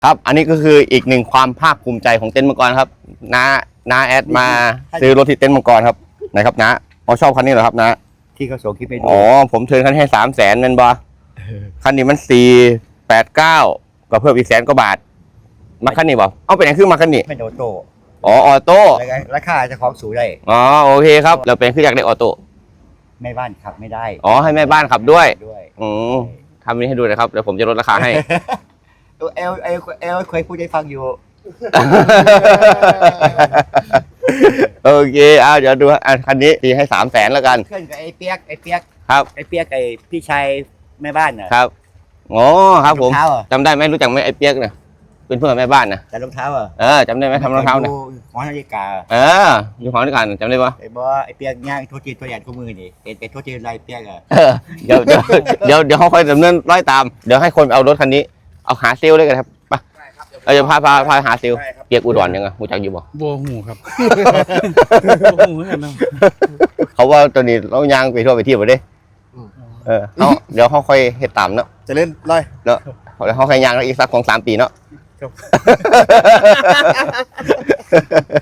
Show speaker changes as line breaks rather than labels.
ครับอันนี้ก็คืออีกหนึ่งความภาคภูมิใจของเต็นท์มังกรครับน้าแอดมาซื้อรถที่เต็นท์มังกรครับนะครับนะชอบคันนี้เหรอครับนะ
ที่เขาส่งคลิปไปดู
อ๋อผมเทิร์นคันให้300,000นั่นบ่คันนี้มัน489ก็เพิ่มอีก100,000 กว่าบาทมาคันนี้บ่เอาไปไหนขึ้นมาคันนี้
ไม่โดโต้
อ๋อออโต้
ราคาจะของสูงได้
อ๋อโอเคครับเราเป็นคืออยากได้ออโต้
แม่บ้านขับไม่ได้
อ๋อให้แม่บ้านขับด้วยทำนี้ให้ดูนะครับเดี๋ยวผมจะลดราคาให้
เอลเคยพูดให้ฟังอยู่
โอเคเดี๋ยวดูคันนี้ตีให้300,000แล้วกัน
เพื่อนกับไอ้เปียก
ครับ
ไอ้เปียกไอ้พี่ชายแม่บ้านน่ะ
ครับอ๋อครับผมจำได้ไหมรู้จักไหมไอ้เปียกเนี่ยเป็นเพื่อนแม่บ้านนะ
แต่รองเท้า
จำได้ไหมทำรองเท้าเนี่ย
หอนาฬิกา
อยู่หอนาฬิกาจำได้ปะ
ไอ้ไอ้เปียกย่างโทษจีนตัวใหญ่ตัวมือนี่เป็นโทษจีนลายเปียก
เดี๋ยวเขาค่อยดำเนินร้อยตามเดี๋ยวให้คนเอารถคันนี้เอาหาเซลเลยกันครับไปเราจะพาหาเซลเปียกอุดรยังไงรู้จักอยู่บ่
บัวหูครับบัวหูเหมือนกันนะ
เขาว่าตัวนี้เรายางไปทั่วไปที่หมดเลยเดี๋ยวเขาค่อยเฮ็ดตามเนาะ
จะเล่นไร
เนาะเดี๋ยวเขาค่อยยางอีกสัก2-3 ปีเนาะ